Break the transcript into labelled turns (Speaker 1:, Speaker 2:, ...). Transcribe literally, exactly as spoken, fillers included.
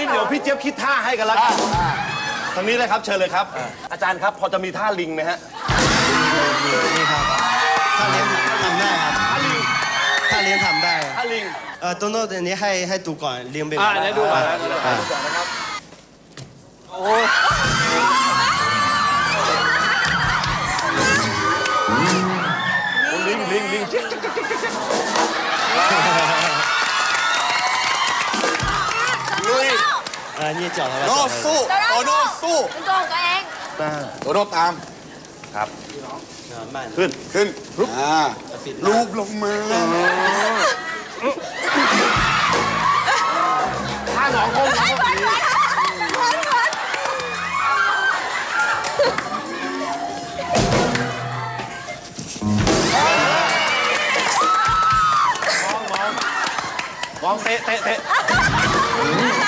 Speaker 1: เดี๋ยวพี่เจี๊ยบคิดท่าให้กันแล้วกันทางนี้เลยครับเชิญเลยครับอาจารย์ครับพอจะมีท่าลิงไหมฮะ
Speaker 2: นี่ครับท่าเลี้ยงทำได้ครับท่าลิงท่าเลี้ยงทำได้
Speaker 1: ท่าลิง
Speaker 2: เออโตโน่อันนี้ให้ให้ดูก่อนเลี้ยงเป็น
Speaker 1: อ่าเดี๋ยวดูก่อนนะดูก่อนนะครับโอ้ลิงลิงลิงลุย
Speaker 2: เออนี่จ่อครับ
Speaker 3: โน่สู้โตโน่สู้
Speaker 4: เป็นตัวของตัวเอง
Speaker 3: โตโน่ตาม
Speaker 1: ครับขึ้น
Speaker 3: ขึ้นอ่าลูบลงมา
Speaker 1: ท่าหนองคงครับมองมองมองเตะเตะเตะ